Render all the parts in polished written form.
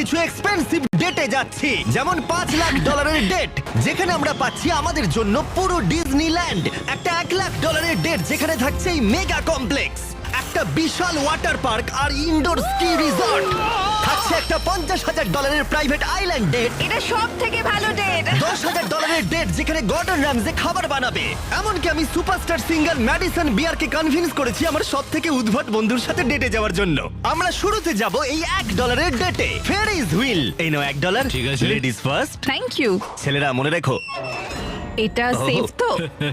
কিছু এক্সপেন্সিভ ডেটে যাচ্ছি, যেমন $5 লাখ ডেট, যেখানে আমরা পাচ্ছি আমাদের জন্য পুরো ডিজনিল্যান্ড। একটা $1 লাখ ডেট, যেখানে থাকছে এই মেগা কমপ্লেক্স, একটা বিশাল ওয়াটার পার্ক আর ইনডোর স্কি রিসর্ট। থাকছে একটা $50,000 প্রাইভেট আইল্যান্ড ডেট, এটা সব থেকে ভালো ডেট। $10,000 ডেট, যেখানে গর্ডন র্যামজে খাবার বানাবে। এমনকি আমি সুপারস্টার সিঙ্গার ম্যাডিসন বিয়ারকে কনভিন্স করেছি আমার সব থেকে উদ্ভট বন্ধুর সাথে ডেটে যাওয়ার জন্য। আমরা শুরুতে যাব এই $1 ডেটে। ফেরিজ হুইল, এই নাও $1। ঠিক আছে। Ladies first. Thank you. ছেলেরা মনে রেখো। এটা সেফ তো?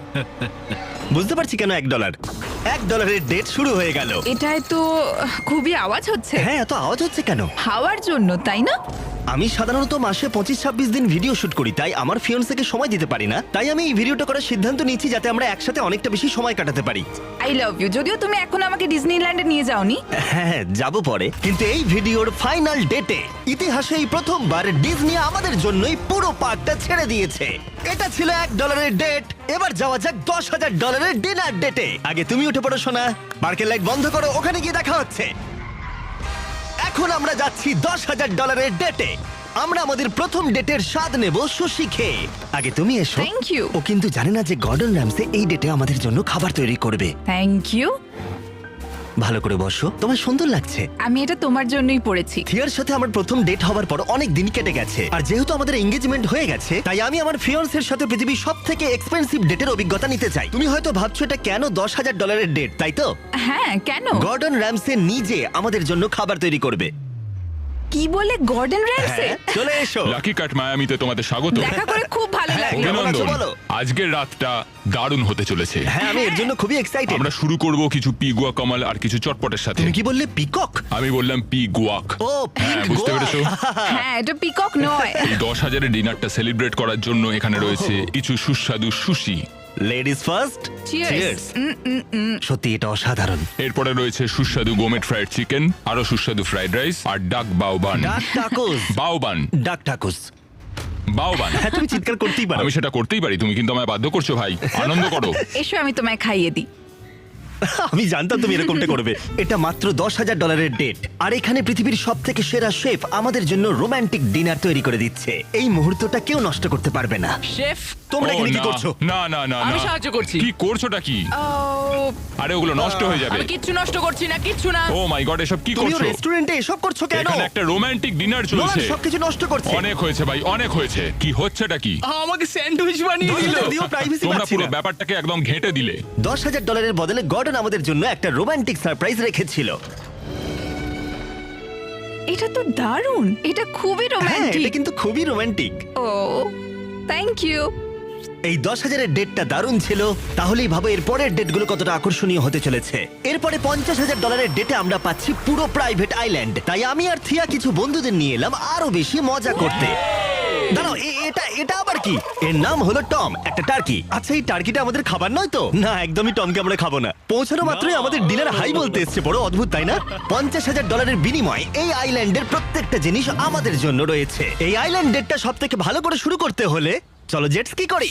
বুঝতে পারছি কেন $1 ডেট শুরু হয়ে গেল। এটায় তো খুবই আওয়াজ হচ্ছে। হ্যাঁ, এত আওয়াজ হচ্ছে কেন? হাওয়ার জন্য, তাই না? আমি সাধারণত মাসে 25-26 দিন ভিডিও শুট করি, তাই আমার ফিয়ন্সেকে সময় দিতে পারি না। তাই আমি এই ভিডিওটা করার সিদ্ধান্ত নিয়েছি যাতে আমরা একসাথে অনেকটা বেশি সময় কাটাতে পারি। I love you. যদিও তুমি এখন আমাকে ডিজনিল্যান্ডে নিয়ে যাওনি। হ্যাঁ, যাব পরে। কিন্তু এই ভিডিওর ফাইনাল ডেটে ইতিহাসে এই প্রথমবার ডিজনি আমাদের জন্যই পুরো পার্কটা ছেড়ে দিয়েছে। এটা ছিল $1 ডেট। এবার যাওয়া যাক $10,000 ডিনার ডেটে। আগে তুমি উঠে পড়ো সোনা, পার্কের লাইট বন্ধ করো, ওখানে গিয়ে দেখা হচ্ছে। এখন আমরা যাচ্ছি $10,000 ডেটে। আমরা আমাদের প্রথম ডেটের স্বাদ নেব সুশি খেয়ে। আগে তুমি এসো। Thank you. ও কিন্তু জানে না যে গর্ডন র্যামসে এই ডেটে আমাদের জন্য খাবার তৈরি করবে। Thank you. ভালো করে বসো, তোমার সুন্দর লাগছে। আমি এটা তোমার জন্যই পড়েছি। থিয়ার সাথে আমার প্রথম ডেট হওয়ার পর অনেক দিন কেটে গেছে, আর যেহেতু আমাদের এঙ্গেজমেন্ট হয়ে গেছে, তাই আমি আমার ফিয়ান্সের সাথে পৃথিবীর সব থেকে এক্সপেন্সিভ ডেটের অভিজ্ঞতা নিতে চাই। তুমি হয়তো ভাবছো এটা কেন $10,000 ডেট, তাই তো? হ্যাঁ, কেন? গর্ডন র্যামসে নিজে আমাদের জন্য খাবার তৈরি করবে। কি বলে, গর্ডন র্যামসে? হ্যাঁ, চলে এসো। লাকি কাট মায়ামিতে তোমাদের স্বাগত। দেখা করে খুব ভালো হ্যাঁ, লাগলো। কেমন আছো অভিনন্দন। বলো? আজকের রাতটা দারুণ হতে চলেছে। হ্যাঁ, আমি এর জন্য খুবই এক্সাইটেড। আমরা শুরু করব কিছু পি গুয়া কমাল আর কিছু চটপটের সাথে। তুমি কি বললে, পিকক? আমি বললাম পি গুয়াক। ও, হ্যাঁ, পিক বুঝতে গোয়া। পেরেছো? হ্যাঁ, এটা পিকক নয়। এই 10,000-এর ডিনারটা সেলিব্রেট করার জন্য এখানে রয়েছে কিছু সুস্বাদু সুশি। Ladies first. Cheers. সত্যি এটা অসাধারণ। এরপরে রয়েছে সুস্বাদু গোমেট ফ্রাইড চিকেন, আরো সুস্বাদু ফ্রাইড রাইস আর ডাক বাউবান। ডাক টাকুস। বাউবান, ডাক টাকুস। বাউবান। হ্যাঁ, তুমি চিৎকার করতেই পারো। আমি সেটা করতেই পারি, তুমি কিন্তু আমায় বাধ্য করছো ভাই। আনন্দ করো। এসো, আমি তোমায় খাইয়ে দিই। আমি জানতাম তুমি এরকমটা করবে। এটা মাত্র $10,000 ডেট, আর এখানে পৃথিবীর সব থেকে সেরা শেফ আমাদের জন্য রোমান্টিক ডিনার তৈরি করে দিচ্ছে। এই মুহূর্তটা কেউ নষ্ট করতে পারবে না। শেফ, তোমরা ও, এখানে কি না, করছো? না না না আমি না। সাহায্য করছি। কি করছোটা কি? ও, আরে ওগুলো নষ্ট হয়ে যাবে। আমি কিচ্ছু নষ্ট করছি না, কিচ্ছু না। ও মাই গড, এসব কি তুমিও করছো? রেস্টুরেন্টে এসব করছো কেন? এখানে একটা রোমান্টিক ডিনার নোলান চলছে। সবকিছু নষ্ট করছে। অনেক হয়েছে ভাই, অনেক হয়েছে। কি হচ্ছেটা কি? আমাকে স্যান্ডউইচ বানিয়ে দিল। যদিও প্রাইভেসি তোমরা পাচ্ছি পুরো না। ব্যাপারটাকে একদম ঘেঁটে দিলে। $10,000 বদলে গর্ডন আমাদের জন্য একটা রোমান্টিক সারপ্রাইজ রেখেছিল। এটা তো দারুণ। এটা খুবই হ্যাঁ, রোমান্টিক। এটা কিন্তু খুবই রোমান্টিক। O, thank you. এই 10,000-এর ডেটটা দারুণ ছিল, তাহলেই ভাবো এর পরের ডেটগুলো কতটা আকর্ষণীয় হতে চলেছে। এরপরে $50,000 ডেটে আমরা পাচ্ছি পুরো প্রাইভেট আইল্যান্ড। তাই আমি আর থিয়া কিছু বন্ধুদের নিয়ে এলাম আরো বেশি মজা করতে। দাঁড়াও, এটা আবার কি? এর নাম হলো টম, একটা টার্কি। আচ্ছা, এই টার্কিটা আমাদের খাবার নয় তো? না, একদমই টমকে আমরা খাবো না। পৌঁছানো মাত্রই আমাদের ডিনার হাই বলতে এসছে। বড় অদ্ভুত, তাই না? $50,000 বিনিময়ে এই আইল্যান্ডের প্রত্যেকটা জিনিস আমাদের জন্য রয়েছে। এই আইল্যান্ড ডেটটা সব থেকে ভালো করে শুরু করতে হলে চলো জেট স্কি করি।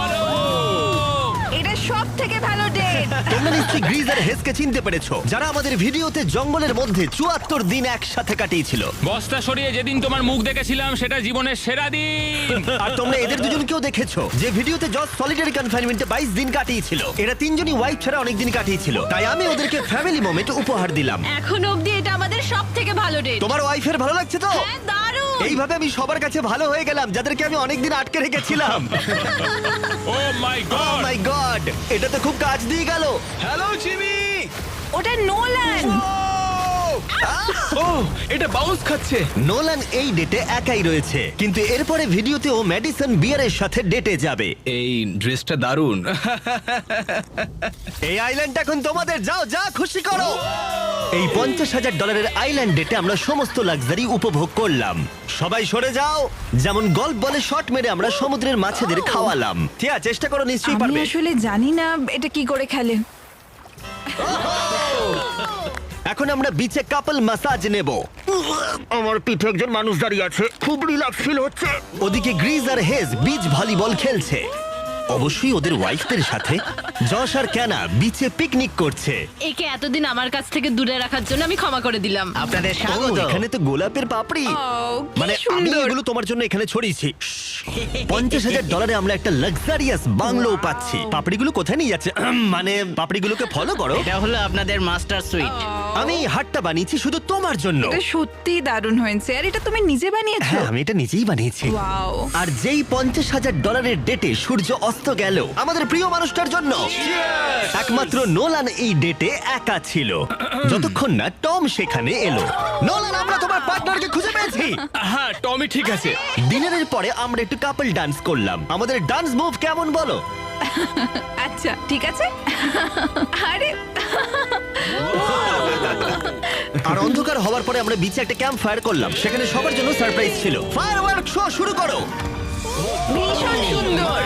এটা সব থেকে ভালো ডেট। তোমরা নিশ্চয়ই গ্রিজ আর হেসকে চিনতে পেরেছো, যারা আমাদের ভিডিওতে জঙ্গলের মধ্যে 74 দিন একসাথে কাটিয়েছিল। বস্তা সরিয়ে যেদিন তোমার মুখ দেখেছিলাম সেটা জীবনের সেরা দিন। আর তোমরা এদের দুজনকেও দেখেছো, যে ভিডিওতে জজ সলিটারি কনফাইনমেন্টে 22 দিন কাটিয়েছিল। এরা তিনজনই ওয়াইফ ছাড়া অনেক দিন কাটিয়েছিল, তাই আমি ওদেরকে ফ্যামিলি মোমেন্ট উপহার দিলাম। এখন অবধি এটা আমাদের সব থেকে ভালো ডেট। তোমার ওয়াইফের ভালো লাগছে তো? হ্যাঁ, দারুণ। এইভাবে আমি সবার কাছে ভালো হয়ে গেলাম, যাদেরকে আমি অনেকদিন আটকে রেখেছিলাম। ও মাই ও গড, মাই গড, এটা তো খুব কাজ দিয়ে গেল। Hello Jimmy. ওটা নোলান। ও, এটা বাউন্স খাচ্ছে। নোলান এই ডেটে একাই রয়েছে, কিন্তু এরপরে ভিডিওতে ও ম্যাডিসন বিয়ারের সাথে ডেটে যাবে। এই ড্রেসটা দারুণ। এই আইল্যান্ড এখন তোমাদের, যাও যা খুশি করো। এই $50,000 আইল্যান্ড ডেটে আমরা সমস্ত লাক্সারি উপভোগ করলাম। সবাই সরে যাও। যেমন গল্ফ বলে শট মেরে আমরা সমুদ্রের মাছেদের খাওয়ালাম। ঠিক আছে, চেষ্টা করো, নিশ্চয়ই আমি পারবে। আসলে জানি না এটা কি করে খেলে। এখন আমরা বিচে কাপল ম্যাসাজ নেব। আমার পিঠে একজন মানুষ দাঁড়িয়ে আছে, খুব রিল্যাক্স ফিল হচ্ছে। ওদিকে গ্রিজ আর হেজ বিচ ভলিবল খেলছে। অবশ্যই ওদের ওয়াইফদের সাথে। যশ আর ক্যানা বিচে পিকনিক করছে। একে এতদিন আমার কাছ থেকে দূরে রাখার জন্য আমি ক্ষমা করে দিলাম। আপনাদের ও, স্বাগত। এখানে তো গোলাপের পাপড়ি। ও, কি মানে আমি সুন্দর। এগুলো তোমার জন্য এখানে ছড়িয়েছি। $50,000 আমরা একটা লাক্সারিয়াস বাংলো পাচ্ছি। পাপড়িগুলো কোথায় নিয়ে যাচ্ছে? মানে পাপড়িগুলোকে ফলো করো। এটা হলো আপনাদের মাস্টার সুইট। আমি এই হাটটা বানিয়েছি শুধু তোমার জন্য। এটা সত্যি দারুণ হয়েছে। আর এটা তুমি নিজে বানিয়েছো? হ্যাঁ, আমি এটা নিজেই বানিয়েছি। ওয়াও। আর যেই $50,000 ডেটে সূর্য অস্ত গেল আমাদের প্রিয় মানুষটার জন্য, একমাত্র নোলান এই ডেটে একা ছিল, যতক্ষণ না টম সেখানে এলো। নোলান, আমরা তোমার পার্টনারকে খুঁজে পেয়েছি। হ্যাঁ টমি ঠিক আছে। ডিনারের পরে আমরা একটু কাপল ডান্স করলাম। আমাদের ডান্স মুভ কেমন বলো? আচ্ছা ঠিক আছে। আরে আর অন্ধকার হওয়ার পরে আমরা বিচে একটা ক্যাম্প ফায়ার করলাম। সেখানে সবার জন্য সারপ্রাইজ ছিল। ফায়ারওয়ার্ক শো শুরু করো। ভীষণ সুন্দর।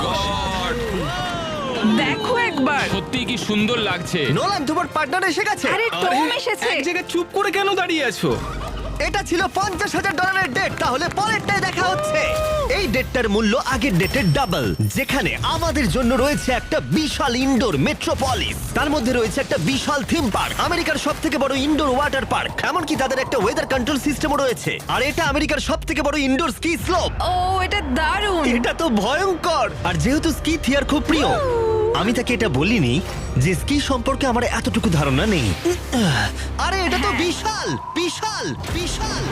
দেখো একবার। সত্যি কি সুন্দর লাগছে। নোলান, তোমার পার্টনার এসে গেছে। আরে টম এসেছে। এক জায়গায় চুপ করে কেন দাঁড়িয়ে আছো? এটা ছিল $50,000 ডেট। তাহলে পরেরটায় দেখা হচ্ছে। এই ডেটটার মূল্য আগের ডেটের ডাবল, যেখানে আমাদের জন্য রয়েছে একটা বিশাল ইনডোর মেট্রোপলিস। তার মধ্যে রয়েছে একটা বিশাল থিম পার্ক, আমেরিকার সবথেকে বড় ইনডোর ওয়াটার পার্ক। এমনকি তাদের একটা ওয়েদার কন্ট্রোল সিস্টেমও রয়েছে। আর এটা আমেরিকার সবথেকে বড় ইনডোর স্কি স্লোপ। ও এটা দারুণ। এটা তো ভয়ঙ্কর। আর যেহেতু স্কি থিয়ার খুব প্রিয়, আমি তাকে এটা বলিনি যে স্কি সম্পর্কে আমার এতটুকু ধারণা নেই। আরে এটা তো বিশাল বিশাল বিশাল।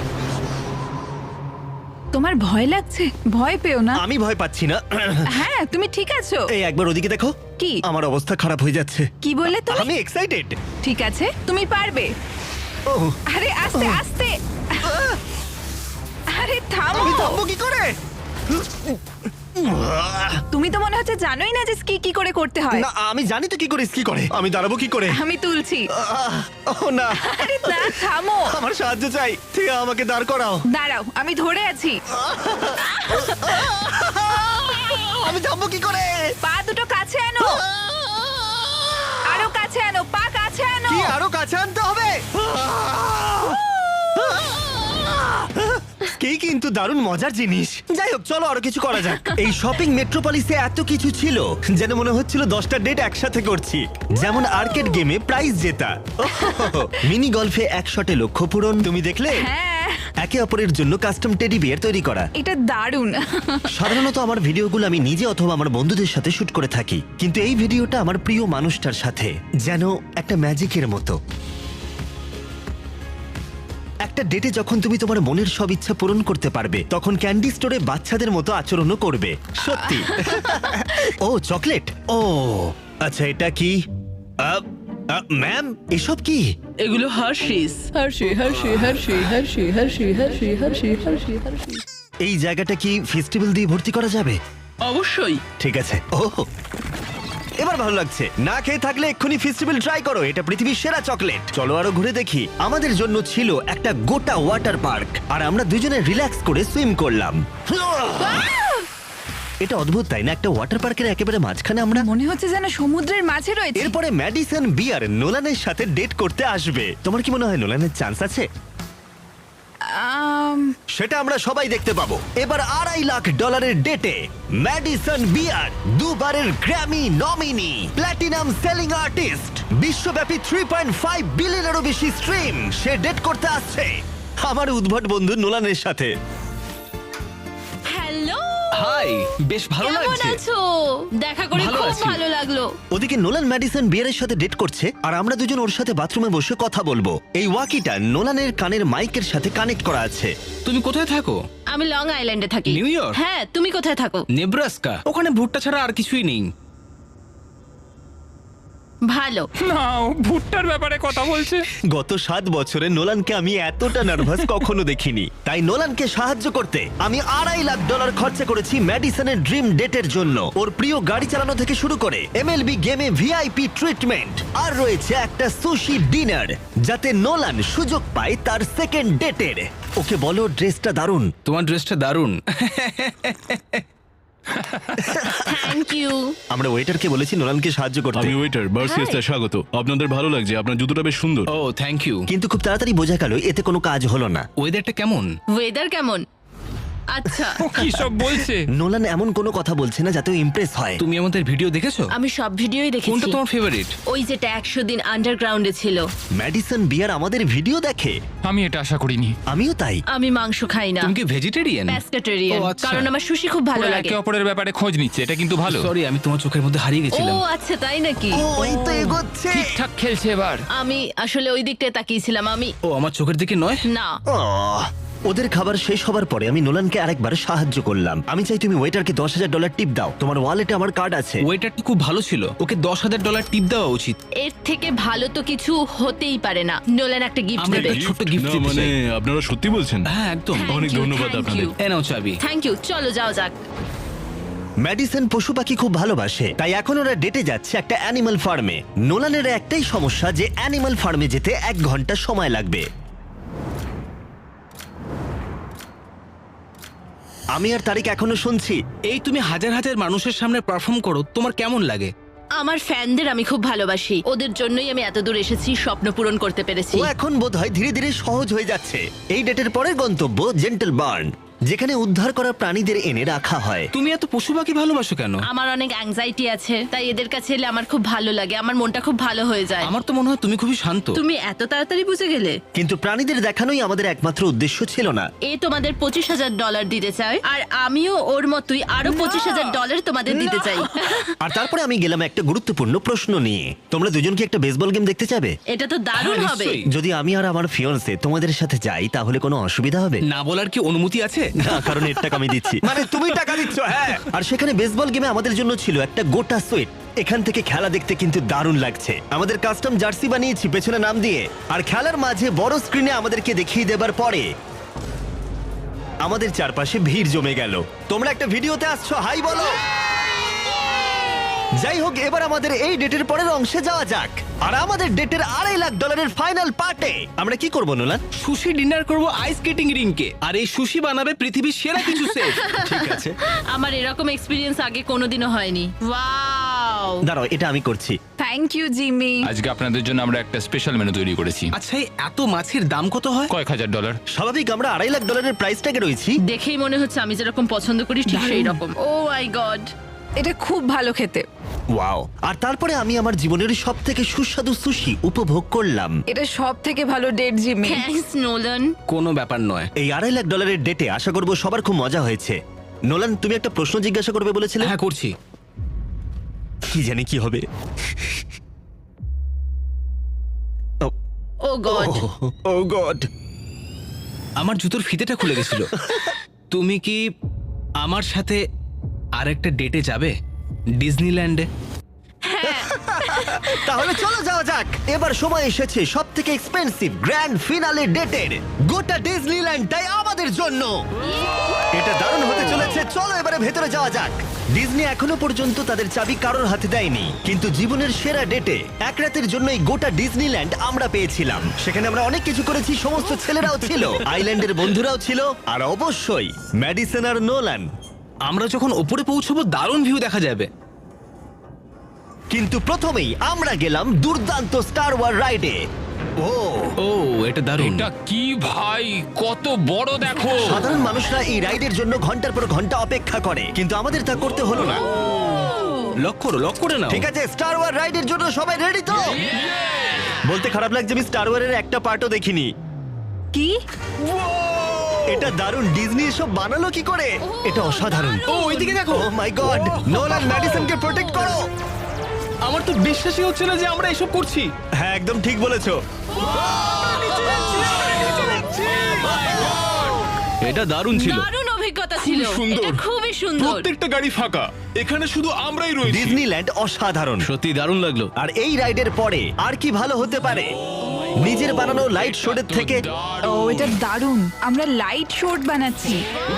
তোমার ভয় লাগছে? ভয় পেও না। আমি ভয় পাচ্ছি না। হ্যাঁ তুমি ঠিক আছো। এই একবার ওদিকে দেখো। কি? আমার অবস্থা খারাপ হয়ে যাচ্ছে। কি বললে তুমি? আমি এক্সাইটেড। ঠিক আছে তুমি পারবে। ও, আরে আস্তে আস্তে। আরে থামো। আমি থামবো কি করে? তুমি তো মনে হচ্ছে জানোই না যে স্কি কি করে করতে হয়। না, আমি জানি তো কি করে স্কি করে। আমি দাঁড়াবো কি করে? আমি তুলছি। ও না, আরে না থামো। আমার সাহায্য চাই। ঠিক আমাকে দাঁড় করাও। দাঁড়াও আমি ধরে আছি। আমি থামবো কি করে? পা দুটো কাছে আনো। আরো কাছে আনো, পা কাছে আনো। কি আরো কাছে আনতে হবে? কি কিন্তু দারুণ মজার জিনিস। যাই হোক, চলো আরো কিছু করা যাক। এই শপিং মেট্রোপলিসে এত কিছু ছিল যেন মনে হচ্ছিল 10টা ডেট একসাথে করছি। যেমন আর্কেড গেমে প্রাইজ জেতা, মিনি গলফে এক শটে লক্ষ্য পূরণ। তুমি দেখলে? হ্যাঁ একে অপরের জন্য কাস্টম টেডি বিয়ার তৈরি করা। এটা দারুণ। সাধারণত আমার ভিডিওগুলো আমি নিজে অথবা আমার বন্ধুদের সাথে শুট করে থাকি, কিন্তু এই ভিডিওটা আমার প্রিয় মানুষটার সাথে, যেন একটা ম্যাজিকের মতো। একটা ডেটে যখন তুমি তোমার মনের সব ইচ্ছা পূরণ করতে পারবে, তখন ক্যান্ডি স্টোরে বাচ্চাদের মতো আচরণও করবে। সত্যি। ও চকলেট। ও আচ্ছা, এটা কি? ম্যাম, এসব কি? এগুলো Hershey's. Hershey Hershey Hershey Hershey Hershey Hershey Hershey Hershey Hershey. এই জায়গাটা কি ফেস্টিভ্যাল দিয়ে ভর্তি করা যাবে? অবশ্যই। ঠিক আছে। ও এবার ভালো লাগছে। না খেয়ে থাকলে এক্ষুনি ফেস্টিভ্যাল ট্রাই করো। এটা পৃথিবীর সেরা চকলেট। চলো আরো ঘুরে দেখি। আমাদের জন্য ছিল একটা গোটা ওয়াটার পার্ক, আর আমরা দুজনে রিল্যাক্স করে সুইম করলাম। এটা অদ্ভুত তাই না? একটা ওয়াটার পার্কের একেবারে মাঝখানে আমরা। মনে হচ্ছে যেন সমুদ্রের মাঝে রয়েছে। এরপরে ম্যাডিসন বিয়ার নোলানের সাথে ডেট করতে আসবে। তোমার কি মনে হয় নোলানের চান্স আছে? সেটা আমরা সবাই দেখতে পাবো। এবার $2.5 লাখ ডেটে ম্যাডিসন বিয়ার, দুবারের Grammy nominee, platinum selling artist, বিশ্বব্যাপী 3.5 বিলিয়নেরও বেশি স্ট্রিম, সে ডেট করতে আসছে আমার উদ্ভট বন্ধু নোলানের সাথে। হ্যালো হাই, বেশ ভালো কেমন লাগছে। আছো? দেখা করে ভালো খুব আছি। ভালো লাগলো। ওদিকে নোলান ম্যাডিসন বিয়ারের সাথে ডেট করছে, আর আমরা দুজন ওর সাথে বাথরুমে বসে কথা বলবো। এই ওয়াকিটা নোলানের কানের মাইকের সাথে কানেক্ট করা আছে। তুমি কোথায় থাকো? আমি লং আইল্যান্ডে থাকি। New York? হ্যাঁ, তুমি কোথায় থাকো? নেব্রাস্কা। ওখানে ভুট্টা ছাড়া আর কিছুই নেই। ভালো। না, ও ভুট্টার ব্যাপারে কথা বলছে। গত 7 বছরে নোলানকে আমি এতটা নার্ভাস কখনো দেখিনি। তাই নোলানকে সাহায্য করতে আমি $2.5 লাখ খরচা করেছি ম্যাডিসনের ড্রিম ডেটের জন্য। ওর প্রিয় গাড়ি চালানো থেকে শুরু করে MLB গেমে ভিআইপি ট্রিটমেন্ট, আর রয়েছে একটা সুশি ডিনার, যাতে নোলান সুযোগ পায় তার সেকেন্ড ডেটের। ওকে বলো ড্রেসটা দারুণ। তোমার ড্রেসটা দারুণ। Thank you. আমরা ওয়েটারকে বলেছি নোলানকে সাহায্য করতে, আমি ওয়েটার বার্সিয়াসটা স্বাগত। আপনাদের ভালো লাগছে, আপনার জুতোটা বেশ সুন্দর। Oh thank you. কিন্তু খুব তাড়াতাড়ি বোঝা গেল এতে কোনো কাজ হলো না। ওয়েদারটা কেমন? ওয়েদার কেমন? আচ্ছা ও কি সব বলছে? নোলান এমন কোনো কথা বলছে না যাতে ইমপ্রেস হয়। তুমি আমাদের ভিডিও দেখেছো? আমি সব ভিডিওই কোনটা দেখেছি। তোমার ফেভারিট? ওই যেটা 100 দিন আন্ডারগ্রাউন্ডে ছিল। ম্যাডিসন বিয়ার আমাদের ভিডিও দেখে। আমি এটা আশা করিনি। আমিও তাই। আমি মাংস খাই না, তুমি কি ভেজিটেরিয়ান? প্যাস্কেটেরিয়ান, ও, আচ্ছা। কারণ আমার সুশি খুব ভালো ওরা লাগে। একে অপরের ব্যাপারে খোঁজ নিচ্ছে, এটা কিন্তু ভালো। সরি, আমি তোমার চোখের মধ্যে হারিয়ে ও গেছিলাম। আচ্ছা, তাই নাকি? ও এই তো এগোচ্ছে। ঠিকঠাক খেলছে এবার। আমি আসলে ওই দিকটায় তাকিয়েছিলাম। আমি ও আমার চোখের দিকে নয়। না, আহ, ওদের খাবার শেষ হবার পরে আমি নোলানকে আরেকবার সাহায্য করলাম। আমি চাই তুমি ওয়েটারকে $10,000 টিপ দাও। তোমার ওয়ালেটে আমার কার্ড আছে। ওয়েটারটা খুব ভালো ছিল, ওকে $10,000 টিপ দেওয়া উচিত। এর থেকে ভালো তো কিছু হতেই পারে না। নোলান একটা গিফট আমরা দেবে। একটা ছোট্ট গিফট না, দিতে মানে চাই। আপনারা সত্যি বলছেন? হ্যাঁ একদম। অনেক ধন্যবাদ আপনাদের। এ নাও চাবি। Thank you. চলো যাও যাক। ম্যাডিসন পশু পাখি খুব ভালোবাসে, তাই এখন ওরা ডেটে যাচ্ছে একটা অ্যানিমাল ফার্মে। নোলানের একটাই সমস্যা যে অ্যানিমাল ফার্মে যেতে 1 ঘন্টা সময় লাগবে। আমি আর তারিক এখনো শুনছি। এই তুমি হাজার হাজার মানুষের সামনে পারফর্ম করো, তোমার কেমন লাগে? আমার ফ্যানদের আমি খুব ভালোবাসি, ওদের জন্যই আমি এত দূর এসেছি, স্বপ্ন পূরণ করতে পেরেছি। ও এখন বোধহয় ধীরে ধীরে সহজ হয়ে যাচ্ছে। এই ডেটের পরের গন্তব্য জেন্টল বার্ন, যেখানে উদ্ধার করা প্রাণীদের এনে রাখা হয়। তুমি এত পশু পাখি ভালোবাসো কেন? আমার অনেক অ্যাংজাইটি আছে, তাই এদের কাছে এলে আমার খুব ভালো লাগে, আমার মনটা খুব ভালো হয়ে যায়। আমার তো মনে হয় তুমি খুবই শান্ত। তুমি এত তাড়াতাড়ি বুঝে গেলে? কিন্তু প্রাণীদের দেখানোই আমাদের একমাত্র উদ্দেশ্য ছিল না। এ তোমাদের $25,000 দিতে চায়, আর আমিও ওর মতোই আরো $25,000 তোমাদের দিতে চাই। আর তারপরে আমি গেলাম একটা গুরুত্বপূর্ণ প্রশ্ন নিয়ে। তোমরা দুজন কি একটা বেসবল গেম দেখতে চাবে? এটা তো দারুণ হ্যাঁ, হবে। নিশ্চয়ই। যদি আমি আর আমার ফিয়ন্সে তোমাদের সাথে যাই তাহলে কোনো অসুবিধা হবে? না বলার কি অনুমতি আছে? না, কারণ এর টাকা আমি দিচ্ছি। মানে তুমি টাকা দিচ্ছ? হ্যাঁ। আর সেখানে বেসবল গেমে আমাদের জন্য ছিল একটা গোটা সুইট। এখান থেকে খেলা দেখতে কিন্তু দারুণ লাগছে। আমাদের কাস্টম জার্সি বানিয়েছি পেছনে নাম দিয়ে, আর খেলার মাঝে বড় স্ক্রিনে আমাদেরকে দেখিয়ে দেবার পরে আমাদের চারপাশে ভিড় জমে গেল। তোমরা একটা ভিডিওতে আসছো, হাই বলো। যাই হোক, এবার আমাদের এই ডেটের পরের অংশে যাওয়া যাক। আর আমাদের ডেটের $2.5 ফাইনাল পার্টে আমরা কি করবো নোলান? সুশি ডিনার করব আইস স্কেটিং রিংকে, আর এই সুশি বানাবে পৃথিবীর সেরা কিছু সেফ। ঠিক আছে, আমার এরকম এক্সপিরিয়েন্স আগে কোনোদিনও হয়নি। ওয়াও! দাঁড়াও, এটা আমি করছি। Thank you Jimmy. আজকে আপনাদের জন্য আমরা একটা স্পেশাল মেনু তৈরি করেছি। আচ্ছা, এই এত মাছের দাম কত হয়? কয়েক হাজার ডলার। স্বাভাবিক, আমরা $2.5 প্রাইস ট্যাগে রয়েছি। দেখেই মনে হচ্ছে আমি যেরকম পছন্দ করি ঠিক সেই রকম। Oh my God! এটা খুব ভালো খেতে। ওয়াও! আর তারপরে আমি আমার জীবনের সবথেকে সুস্বাদু সুশি উপভোগ করলাম। এটা সব থেকে ভালো ডেট জিমি। Thanks Nolan. কোনো ব্যাপার নয়। এই $2.5 ডেটে আশা করবো সবার খুব মজা হয়েছে। নোলান, তুমি একটা প্রশ্ন জিজ্ঞাসা করবে বলেছিলে? হ্যাঁ করছি। কি জানি কি হবে। Oh God! Oh God! আমার জুতোর ফিতেটা খুলে গেছিল। তুমি কি আমার সাথে আরেকটা ডেটে যাবে ডিজনিল্যান্ডে? তাহলে চলো যাওয়া যাক। এবার সময় এসেছে সবথেকে এক্সপেন্সিভ গ্র্যান্ড ফিনালে ডেটের। গোটা ডিজনিল্যান্ডটাই আমাদের জন্য। এটা দারুণ হতে চলেছে। চলো এবারে ভেতরে যাওয়া যাক। ডিজনি এখনো পর্যন্ত তাদের চাবি কারোর হাতে দেয়নি, কিন্তু জীবনের সেরা ডেটে এক রাতের জন্য এই গোটা ডিজনিল্যান্ড আমরা পেয়েছিলাম। সেখানে আমরা অনেক কিছু করেছি, সমস্ত ছেলেরাও ছিল, আইল্যান্ডের বন্ধুরাও ছিল, আর অবশ্যই ম্যাডিসন আর নোলান। আমরা যখন ওপরে পৌঁছবো দারুণ ভিউ দেখা যাবে। কিন্তু প্রথমেই আমরা গেলাম দুর্দান্ত স্টার ওয়ার রাইডে। ও এটা দারুণ। এটা কি ভাই, কত বড় দেখো। সাধারণ মানুষরা এই রাইডের জন্য ঘন্টার পর ঘন্টা অপেক্ষা করে, কিন্তু আমাদের তা করতে হলো না। লক করে নাও। ঠিক আছে, স্টার ওয়ার রাইডের জন্য সবাই রেডি তো? বলতে খারাপ লাগছে, আমি স্টার ওয়ারের একটা পার্টও দেখিনি। কি? এটা দারুণ। ডিজনি এসব বানালো কি করে? এটা অসাধারণ। ও ওইদিকে দেখো। Oh my God! নোলান, ম্যাডিসনকে প্রোটেক্ট করো। আমার তো বিশ্বাসই হচ্ছে না যে আমরা এসব করছি। হ্যাঁ, একদম ঠিক বলেছো। এটা দারুণ ছিল। দারুণ অভিজ্ঞতা ছিল। সুন্দর। এটা খুবই সুন্দর। প্রত্যেকটা গাড়ি ফাঁকা, এখানে শুধু আমরাই রয়েছি। ডিজনিল্যান্ড অসাধারণ। সত্যি দারুণ লাগলো। আর এই রাইডের পরে আর কি ভালো হতে পারে নিজের বানানো লাইট শোডের থেকে? ও এটা দারুণ। আমরা লাইট শোট বানাচ্ছি।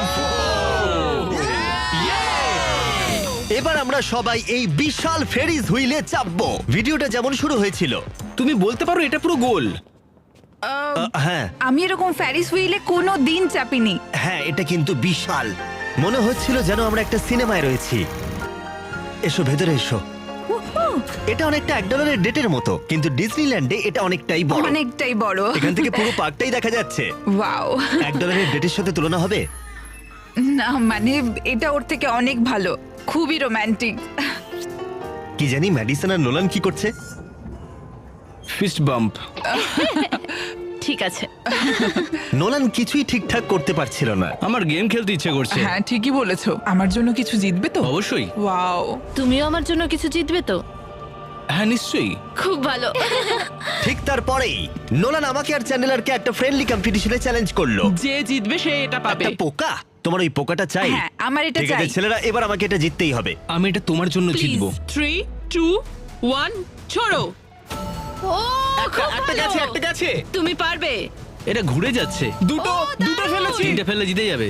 এবার আমরা সবাই এই বিশাল ফেরিজ হুইলে চাপবো। ভিডিওটা যেমন শুরু হয়েছিল। তুমি বলতে পারো এটা পুরো গোল। হ্যাঁ আমি এরকম ফ্যারিস হুইলে কোনো দিন চাপিনি। হ্যাঁ, এটা কিন্তু বিশাল। মনে হচ্ছিল যেন আমরা একটা সিনেমায় রয়েছি। এসো ভেতরে এসো। এটা অনেকটা $1 ডেটের মতো, কিন্তু ডিজনিল্যান্ডে এটা অনেকটাই বড়। অনেকটাই বড়। এখান থেকে পুরো পার্কটাই দেখা যাচ্ছে। ওয়াও! $1 ডেটের সাথে তুলনা হবে? না মানে এটা ওর থেকে অনেক ভালো, খুবই রোমান্টিক। কি জানি ম্যাডিসন আর নোলান কি করছে। Fist bump. ঠিক আছে। নোলান কিছুই ঠিকঠাক করতে পারছিল না। আমার গেম খেলতে ইচ্ছে করছে। হ্যাঁ ঠিকই বলেছো, আমার জন্য কিছু জিতবে তো? অবশ্যই। ওয়াও, তুমিও আমার জন্য কিছু জিতবে তো? হ্যাঁ নিশ্চয়ই। খুব ভালো। ঠিক তারপরেই নোলান আমাকে আর চ্যানেলারকে একটা ফ্রেন্ডলি কম্পিটিশনে চ্যালেঞ্জ করলো। যে জিতবে সে এটা পাবে। একটা পোকা? তোমার ওই পোকাটা চাই? হ্যাঁ, আমার এটা ঠিক আছে চাই। ছেলেরা, এবার আমাকে এটা জিততেই হবে। আমি এটা তোমার জন্য জিতবো। 3, 2, 1 ছোড়ো। ও খুব একটা ভালো। গেছে, একটা গেছে। তুমি পারবে। এটা ঘুরে যাচ্ছে। দুটো ফেলেছি। তিনটে ফেললে জিতে যাবে।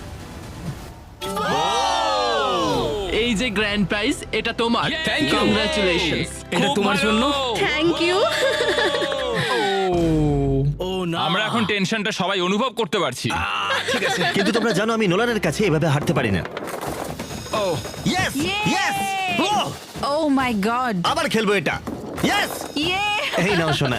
এই যে গ্র্যান্ড প্রাইজ, এটা তোমার। Thank you. কংগ্রাচুলেশনস। এটা তোমার জন্য। Thank you. ও না, আমরা এখন টেনশনটা সবাই অনুভব করতে পারছি। ঠিক আছে। কিন্তু তোমরা জানো আমি নোলানের কাছে এভাবে হারতে পারি না। Oh yes yes, oh my God. আবার খেলবো এটা। ইয়েস, ইয়ে এই নাও শোনা।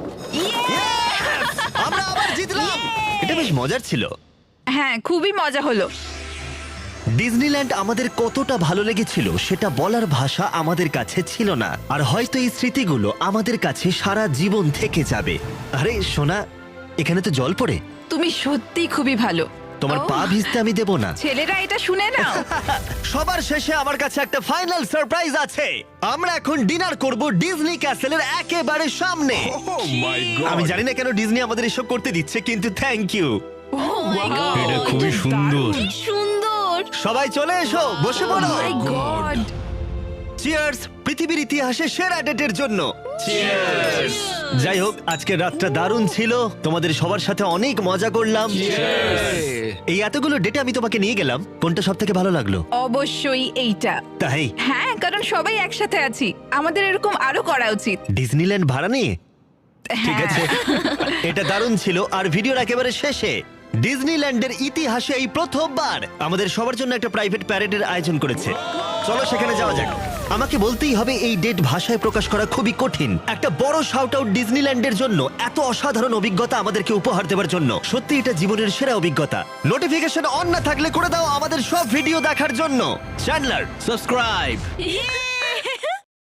আমরা আবার জিতলাম। এটা বেশ মজার ছিল। হ্যাঁ, খুবই মজা হলো। ডিজনিল্যান্ড আমাদের কতটা ভালো লেগেছিল সেটা বলার ভাষা আমাদের কাছে ছিল না। আর হয়তো এই স্মৃতিগুলো আমাদের কাছে সারা জীবন থেকে যাবে। আরে সোনা, এখানে তো জল পড়ে। তুমি সত্যি খুবই ভালো। তোমার ও, পা ভিজতে আমি দেব না। ছেলেরা এটা শুনে নাও। সবার শেষে আমার কাছে একটা ফাইনাল সারপ্রাইজ আছে। আমরা এখন ডিনার করব ডিজনি ক্যাসেলের একেবারে সামনে। আমি জানি না কেন ডিজনি আমাদের এসব করতে দিচ্ছে, কিন্তু থ্যাংক ইউ। এটা খুবই সুন্দর। কি সুন্দর। সবাই চলে এসো, বসে পড়ো। মাই গড। চিয়ার্স পৃথিবীর ইতিহাসে সেরা ডেটের জন্য। যাই হোক, আজকের রাতটা দারুণ ছিল। তোমাদের সবার সাথে অনেক মজা করলাম। এই এতগুলো ডেটে আমি তোমাকে নিয়ে গেলাম, কোনটা সব থেকে ভালো লাগলো? অবশ্যই এইটা। তাই হ্যাঁ, কারণ সবাই একসাথে আছি, আমাদের এরকম আরো করা উচিত। ডিজনিল্যান্ড ভাড়া নিয়ে? ঠিক আছে, এটা দারুণ ছিল। আর ভিডিওর একেবারে শেষে ডিজনিল্যান্ডের ইতিহাসে এই প্রথমবার আমাদের সবার জন্য একটা প্রাইভেট প্যারেডের আয়োজন করেছে। চলো সেখানে যাওয়া যাক। আমাকে বলতেই হবে এই ডেট ভাষায় প্রকাশ করা খুবই কঠিন। একটা বড় শাউট আউট ডিজনিল্যান্ডের জন্য, এত অসাধারণ অভিজ্ঞতা আমাদেরকে উপহার দেওয়ার জন্য। সত্যি এটা জীবনের সেরা অভিজ্ঞতা। নোটিফিকেশন অন না থাকলে করে দাও আমাদের সব ভিডিও দেখার জন্য। Chandler, subscribe. Yay!